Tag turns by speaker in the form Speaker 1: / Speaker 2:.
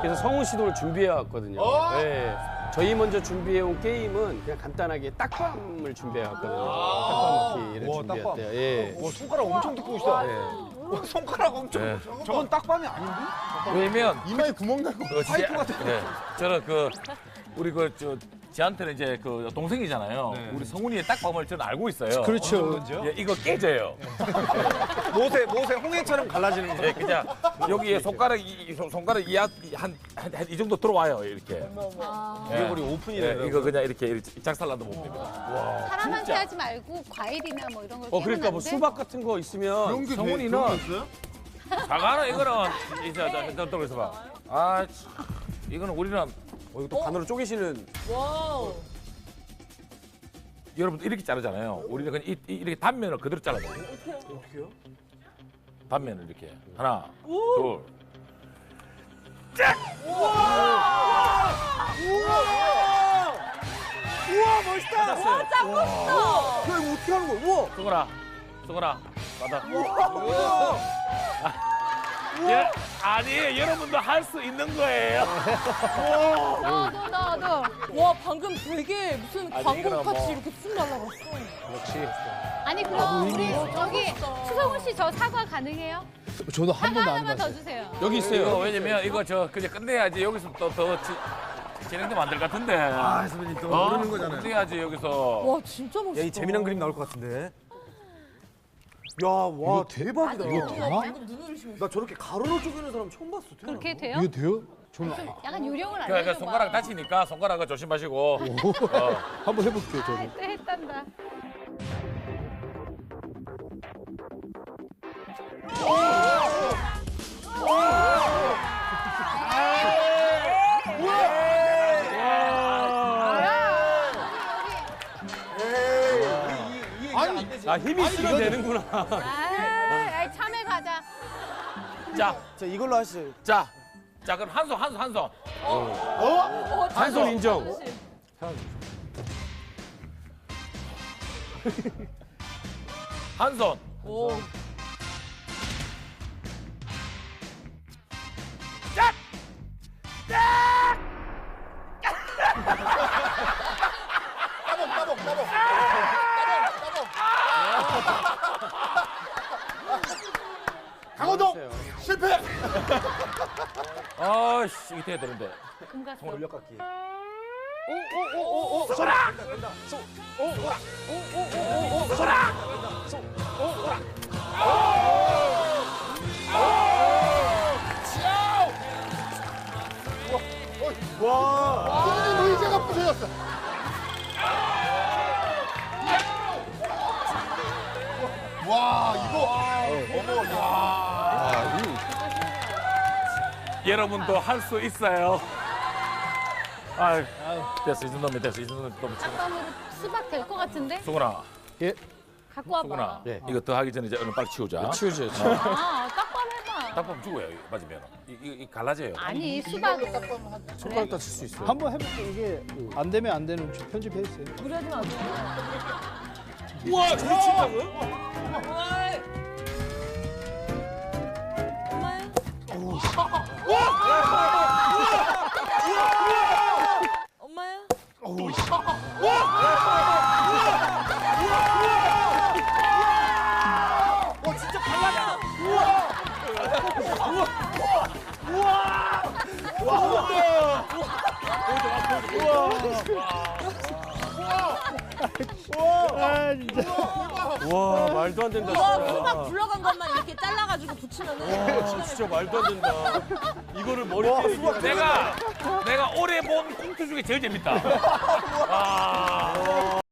Speaker 1: 그래서 성훈 씨도 오늘 준비해 왔거든요. 네. 저희 먼저 준비해 온 게임은 그냥 간단하게 딱밤을 준비해 왔거든요. 딱밤 먹기를 준비했대요. 예.
Speaker 2: 와, 손가락 엄청 두꺼우시다.
Speaker 1: 네.
Speaker 2: 와, 손가락 엄청. 저건 딱밤이 아닌데?
Speaker 3: 왜냐면
Speaker 2: 이마에 구멍 나고. 파이프 같은 거.
Speaker 3: 네. 저는 우리 저한테는 이제 동생이잖아요. 우리 성훈이의 딱밤을 저는 알고 있어요.
Speaker 1: 그렇죠.
Speaker 3: 예, 이거 깨져요.
Speaker 2: 모세 홍해처럼 갈라지는 거.
Speaker 3: 네, 그냥 여기에 손가락 이 정도 들어와요 이렇게.
Speaker 2: 이게 우리 오픈이네.
Speaker 3: 네, 이거 그냥 이렇게 짝살라도 먹으면 됩니다.
Speaker 4: 사람한테 하지 말고 과일이나 뭐 이런 걸
Speaker 1: 그러니까 뭐
Speaker 4: 깨면 안 돼?
Speaker 1: 수박 같은 거 있으면
Speaker 3: 성훈이는 사과는 이거는 이제 또 있어봐. 아, 이거는 우리는
Speaker 1: 이거 또 반으로 쪼개시는.
Speaker 5: 와우.
Speaker 3: 여러분들 이렇게 자르잖아요. 우리는 그냥 이렇게 단면을 그대로 잘라요. 어떻게요? 단면을 이렇게 하나, 둘.
Speaker 2: 우와, 멋있다.
Speaker 5: 와, 짱 멋있다.
Speaker 2: 야, 이거 어떻게 하는 거야? 우와.
Speaker 3: 수건아, 받아. 예, 아니, 여러분도 할 수 있는 거예요.
Speaker 4: 나도.
Speaker 5: 와, 방금 되게 무슨
Speaker 3: 아니,
Speaker 5: 광고
Speaker 3: 이거는
Speaker 5: 같이
Speaker 3: 뭐-
Speaker 5: 이렇게 쑥 날라갔어.
Speaker 4: 아니 그럼 우리 저기 수성훈 씨 저 사과 가능해요?
Speaker 6: 저도 한
Speaker 4: 사과
Speaker 6: 번도 안
Speaker 4: 하나만 더
Speaker 6: 해봤어요.
Speaker 4: 주세요.
Speaker 1: 여기
Speaker 3: 이거
Speaker 1: 있어요.
Speaker 3: 왜냐면 이거 그냥 끝내야지 여기서 또 진행되면 안 될 것 같은데.
Speaker 2: 아, 선배님 또 모르는 거잖아요.
Speaker 3: 끝내야지 여기서.
Speaker 5: 와, 진짜 멋있다.
Speaker 2: 야, 이 재미난 그림 나올 것 같은데. 야, 와, 대박이다.
Speaker 6: 이거 되나?
Speaker 5: 방금 눈을 의심했어.
Speaker 2: 나 저렇게 가로로 쪼개는 사람 처음 봤어. 태어나서.
Speaker 4: 그렇게 돼요?
Speaker 6: 이거 돼요? 저는
Speaker 4: 약간 요령을
Speaker 3: 그러니까
Speaker 4: 알려줘.
Speaker 3: 손가락 다치니까 손가락을 조심하시고.
Speaker 6: 한번 해볼게요, 저도.
Speaker 4: 또 했단다.
Speaker 1: 아, 힘이 있으면 되는구나.
Speaker 4: 아, 참외 가자.
Speaker 3: 자,
Speaker 2: 자, 이걸로 하시죠.
Speaker 3: 자, 그럼 한 손.
Speaker 1: 한 손 인정.
Speaker 3: 한 손.
Speaker 5: 오.
Speaker 2: 강호동 실패.
Speaker 3: 아씨, 이게 돼야 되는데.
Speaker 4: 금갔어.
Speaker 2: 돌려깎기.
Speaker 6: 선생님 의자가 부서졌어.
Speaker 2: 와, 이거. 어머, 야.
Speaker 3: 여러분도 할 수 있어요. 아유, 됐어. 이 정도면 됐어. 이 정도면 너무 치고.
Speaker 4: 딱밤으로 수박 될 것 같은데?
Speaker 3: 수근아,
Speaker 6: 예,
Speaker 4: 갖고 와봐.
Speaker 3: 수근아.
Speaker 1: 예.
Speaker 3: 이거 더 하기 전에 이제 얼른 빨리 치우자.
Speaker 1: 치우죠.
Speaker 4: 아, 딱밤 해봐.
Speaker 3: 딱밤 죽어요. 이거 맞으면. 이 갈라져요.
Speaker 4: 아니, 수박.
Speaker 1: 손가락 다칠 수 있어요.
Speaker 6: 한번 해볼게요. 이게 안 되면 안 되는 좀 편집해 주세요.
Speaker 5: 무리하지 마세요.
Speaker 1: 우와, 저리 친다고요?
Speaker 5: 엄마의. 엄마야?
Speaker 6: 아, 진짜.
Speaker 1: 와, 말도 안 된다,
Speaker 5: 와,
Speaker 1: 진짜.
Speaker 5: 수박 굴러간 것만 이렇게 잘라가지고 붙이면은.
Speaker 1: 와, 진짜 말도 안 된다. 이거를 머리에 얘기하는
Speaker 3: 내가 올해 본 꽁트 중에 제일 재밌다. 아.